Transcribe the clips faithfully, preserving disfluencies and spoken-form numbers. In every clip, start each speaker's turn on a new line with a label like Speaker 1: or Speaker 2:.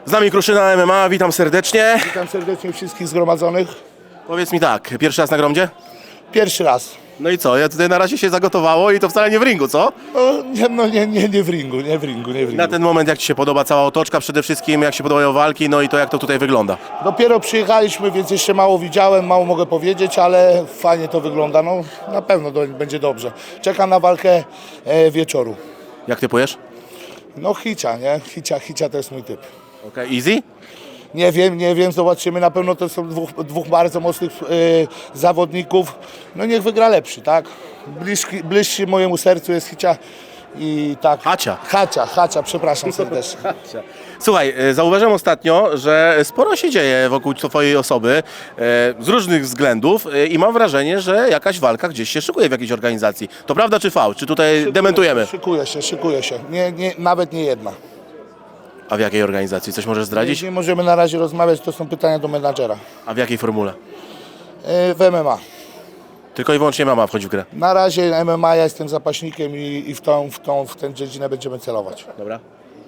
Speaker 1: Z nami Kruszyna M M A, witam serdecznie.
Speaker 2: Witam serdecznie wszystkich zgromadzonych.
Speaker 1: Powiedz mi tak, pierwszy raz na Gromdzie?
Speaker 2: Pierwszy raz.
Speaker 1: No i co, ja tutaj na razie się zagotowało i to wcale nie w ringu, co?
Speaker 2: No nie, no, nie, nie, nie w ringu, nie w ringu, nie w ringu.
Speaker 1: Na ten moment jak Ci się podoba cała otoczka przede wszystkim, jak się podobają walki, no i to jak to tutaj wygląda?
Speaker 2: Dopiero przyjechaliśmy, więc jeszcze mało widziałem, mało mogę powiedzieć, ale fajnie to wygląda. No na pewno do, będzie dobrze. Czekam na walkę e, wieczoru.
Speaker 1: Jak typujesz?
Speaker 2: No hicia, nie? Hicia, hicia to jest mój typ.
Speaker 1: Okej, okay. Easy?
Speaker 2: Nie wiem, nie wiem, zobaczymy. Na pewno to są dwóch, dwóch bardzo mocnych e, zawodników. No niech wygra lepszy, tak? Bliższy, bliższy mojemu sercu jest hicia i tak.
Speaker 1: Hacia.
Speaker 2: Hacia, hacia, przepraszam serdecznie.
Speaker 1: Słuchaj, e, zauważyłem ostatnio, że sporo się dzieje wokół Twojej osoby e, z różnych względów e, i mam wrażenie, że jakaś walka gdzieś się szykuje w jakiejś organizacji. To prawda czy fałsz? Czy tutaj dementujemy?
Speaker 2: Szykuje się, szykuje się. Nie, nie, nawet nie jedna.
Speaker 1: A w jakiej organizacji? Coś możesz zdradzić?
Speaker 2: Nie możemy na razie rozmawiać, to są pytania do menadżera.
Speaker 1: A w jakiej formule?
Speaker 2: E, W M M A.
Speaker 1: Tylko i wyłącznie mama wchodzi w grę.
Speaker 2: Na razie M M A ja jestem zapaśnikiem i, i w, tą, w, tą, w tę dziedzinę będziemy celować.
Speaker 1: Dobra.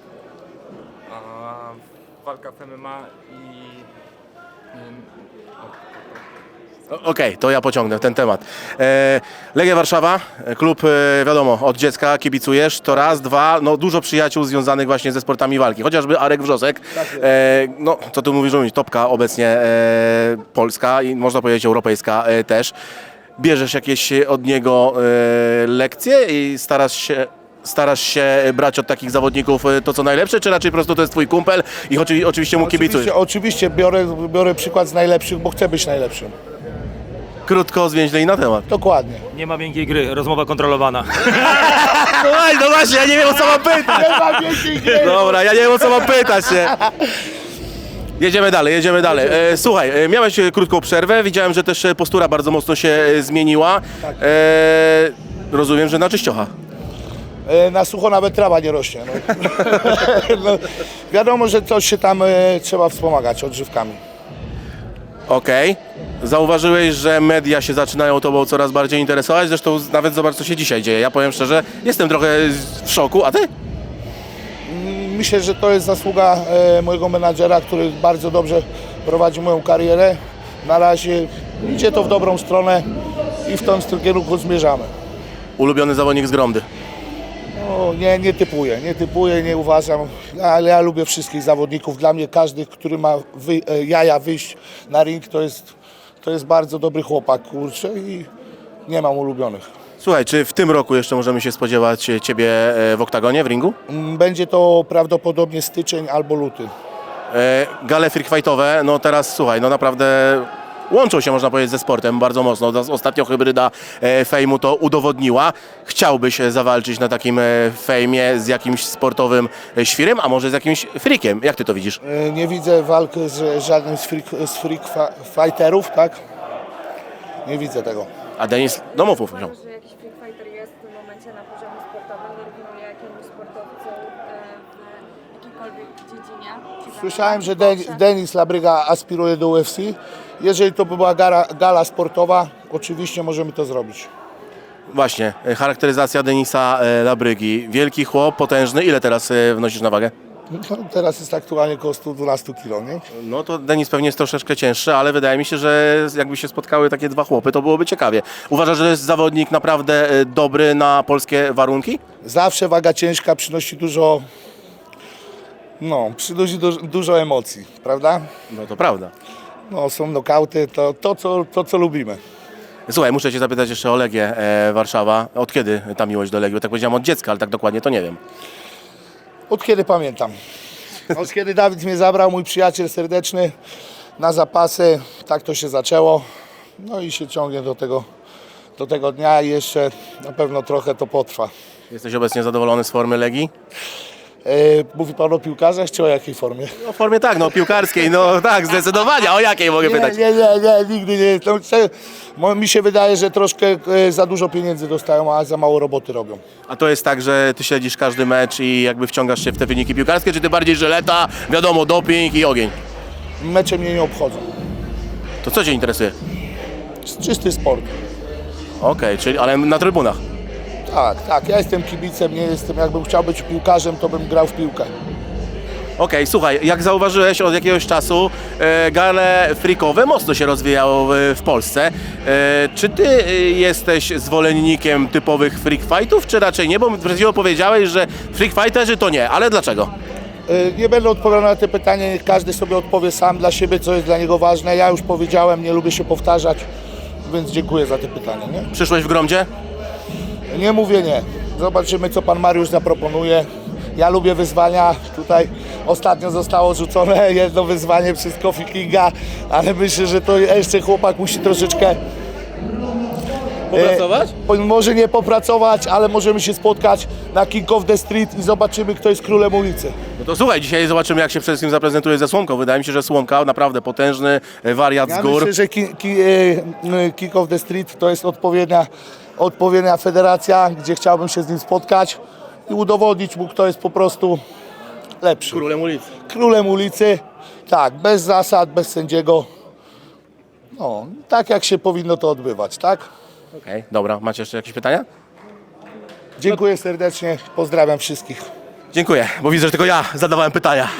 Speaker 3: A, walka w M M A i...
Speaker 1: O- Okej, to ja pociągnę ten temat. E, Legia Warszawa, e, klub e, wiadomo, od dziecka kibicujesz, to raz, dwa, no dużo przyjaciół związanych właśnie ze sportami walki, chociażby Arek Wrzosek, e, no co tu mówisz, mówić, topka obecnie e, polska i można powiedzieć europejska e, też. Bierzesz jakieś od niego e, lekcje i starasz się... Starasz się brać od takich zawodników e, to co najlepsze, czy raczej po prostu to jest twój kumpel i oczy, oczywiście mu kibicujesz?
Speaker 2: Oczywiście, oczywiście biorę, biorę przykład z najlepszych, bo chcę być najlepszym.
Speaker 1: Krótko, zwięźle i na temat.
Speaker 2: Dokładnie.
Speaker 3: Nie ma miękkiej gry, rozmowa kontrolowana.
Speaker 1: No, no właśnie, ja nie wiem o co mam pytać.
Speaker 2: Nie ma więcej gry.
Speaker 1: Dobra, ja nie wiem o co mam pytać, nie? Jedziemy dalej, jedziemy dalej. E, słuchaj, e, miałeś e, krótką przerwę, widziałem, że też e, postura bardzo mocno się e, zmieniła.
Speaker 2: Tak.
Speaker 1: E, rozumiem, że na czyściocha.
Speaker 2: E, Na sucho nawet trawa nie rośnie. No. No, wiadomo, że coś się tam e, trzeba wspomagać odżywkami.
Speaker 1: Okej. Zauważyłeś, że media się zaczynają tobą coraz bardziej interesować, zresztą nawet zobacz, co się dzisiaj dzieje. Ja powiem szczerze, jestem trochę w szoku, a ty?
Speaker 2: Myślę, że to jest zasługa e, mojego menadżera, który bardzo dobrze prowadzi moją karierę. Na razie idzie to w dobrą stronę i w tą kierunku zmierzamy.
Speaker 1: Ulubiony zawodnik z Gromdy.
Speaker 2: No, nie, nie typuję, nie typuję, nie uważam, ale ja lubię wszystkich zawodników. Dla mnie każdy, który ma wy, e, jaja wyjść na ring, to jest, to jest bardzo dobry chłopak, kurczę, i nie mam ulubionych.
Speaker 1: Słuchaj, czy w tym roku jeszcze możemy się spodziewać e, ciebie e, w oktagonie, w ringu?
Speaker 2: Mm, Będzie to prawdopodobnie styczeń albo luty.
Speaker 1: E, Gale freakfightowe, no teraz słuchaj, no naprawdę łączą się, można powiedzieć, ze sportem bardzo mocno. Ostatnio hybryda e, fejmu to udowodniła. Chciałbyś e, zawalczyć na takim e, fejmie z jakimś sportowym e, świrem, a może z jakimś freakiem. Jak ty to widzisz?
Speaker 2: E, Nie widzę walki z żadnym z freak, z freak fa- fighterów, tak? Nie widzę tego.
Speaker 1: A Denis, no mów, mów.
Speaker 4: Uważasz, że jakiś free fighter jest w tym momencie na poziomie sportowym, dorównuje jakiemuś sportowcu e, w jakiejkolwiek dziedzinie? Czy
Speaker 2: Słyszałem, że
Speaker 4: zawodnik,
Speaker 2: Den- Denis Labryga aspiruje do U F C. Jeżeli to by była gala, gala sportowa, oczywiście możemy to zrobić.
Speaker 1: Właśnie, e, charakteryzacja Denisa e, Labrygi. Wielki chłop, potężny. Ile teraz e, wnosisz na wagę?
Speaker 2: No, teraz jest aktualnie około sto dwanaście kilo, nie?
Speaker 1: No to Denis pewnie jest troszeczkę cięższy, ale wydaje mi się, że jakby się spotkały takie dwa chłopy, to byłoby ciekawie. Uważasz, że jest zawodnik naprawdę e, dobry na polskie warunki?
Speaker 2: Zawsze waga ciężka przynosi dużo, no, przynosi du- dużo emocji, prawda?
Speaker 1: No to prawda.
Speaker 2: No, są nokauty, to, to, co, to co lubimy.
Speaker 1: Słuchaj, muszę cię zapytać jeszcze o Legię e, Warszawa. Od kiedy ta miłość do Legii? Bo tak powiedziałem od dziecka, ale tak dokładnie to nie wiem.
Speaker 2: Od kiedy pamiętam. Od kiedy Dawid mnie zabrał, mój przyjaciel serdeczny, na zapasy, tak to się zaczęło. No i się ciągnie do tego, do tego dnia i jeszcze na pewno trochę to potrwa.
Speaker 1: Jesteś obecnie zadowolony z formy Legii?
Speaker 2: E, mówi pan o piłkarzach, czy o jakiej formie?
Speaker 1: No w formie tak, no piłkarskiej, no tak, zdecydowanie. O jakiej mogę
Speaker 2: Nie,
Speaker 1: pytać?
Speaker 2: nie, nie, nie, nigdy nie. To, mo- mi się wydaje, że troszkę e, za dużo pieniędzy dostają, a za mało roboty robią.
Speaker 1: A to jest tak, że ty śledzisz każdy mecz i jakby wciągasz się w te wyniki piłkarskie, czy ty bardziej żyleta, wiadomo, doping i ogień?
Speaker 2: Mecze mnie nie obchodzą.
Speaker 1: To co cię interesuje?
Speaker 2: Czysty sport.
Speaker 1: Okej, czyli ale na trybunach.
Speaker 2: Tak, tak. Ja jestem kibicem, nie jestem. Jakbym chciał być piłkarzem, to bym grał w piłkę.
Speaker 1: Okej, słuchaj, jak zauważyłeś od jakiegoś czasu, e, gale freakowe mocno się rozwijało w, w Polsce. E, czy ty e, jesteś zwolennikiem typowych freak fightów, czy raczej nie? Bo przed chwilą powiedziałeś, że freak fighterzy to nie, ale dlaczego?
Speaker 2: Y, Nie będę odpowiadał na te pytania, niech każdy sobie odpowie sam dla siebie, co jest dla niego ważne. Ja już powiedziałem, nie lubię się powtarzać, więc dziękuję za te pytania. Nie,
Speaker 1: Przyszłeś w Gromdzie?
Speaker 2: nie mówię nie. Zobaczymy, co pan Mariusz zaproponuje. Ja lubię wyzwania. Tutaj ostatnio zostało rzucone jedno wyzwanie przez Kofi Kinga, ale myślę, że to jeszcze chłopak musi troszeczkę...
Speaker 1: Popracować?
Speaker 2: E, może nie popracować, ale możemy się spotkać na King of the Street i zobaczymy, kto jest królem ulicy.
Speaker 1: No to słuchaj, dzisiaj zobaczymy, jak się przede wszystkim zaprezentuje ze Słomką. Wydaje mi się, że Słomka naprawdę potężny e, wariat z
Speaker 2: Ja
Speaker 1: gór.
Speaker 2: myślę, że ki, ki, e, King of the Street to jest odpowiednia, odpowiednia federacja, gdzie chciałbym się z nim spotkać i udowodnić mu, kto jest po prostu lepszy.
Speaker 1: Królem ulicy.
Speaker 2: Królem ulicy, tak, bez zasad, bez sędziego. No, tak jak się powinno to odbywać, tak?
Speaker 1: Okej, dobra. Macie jeszcze jakieś pytania?
Speaker 2: Dziękuję serdecznie, pozdrawiam wszystkich.
Speaker 1: Dziękuję, bo widzę, że tylko ja zadawałem pytania.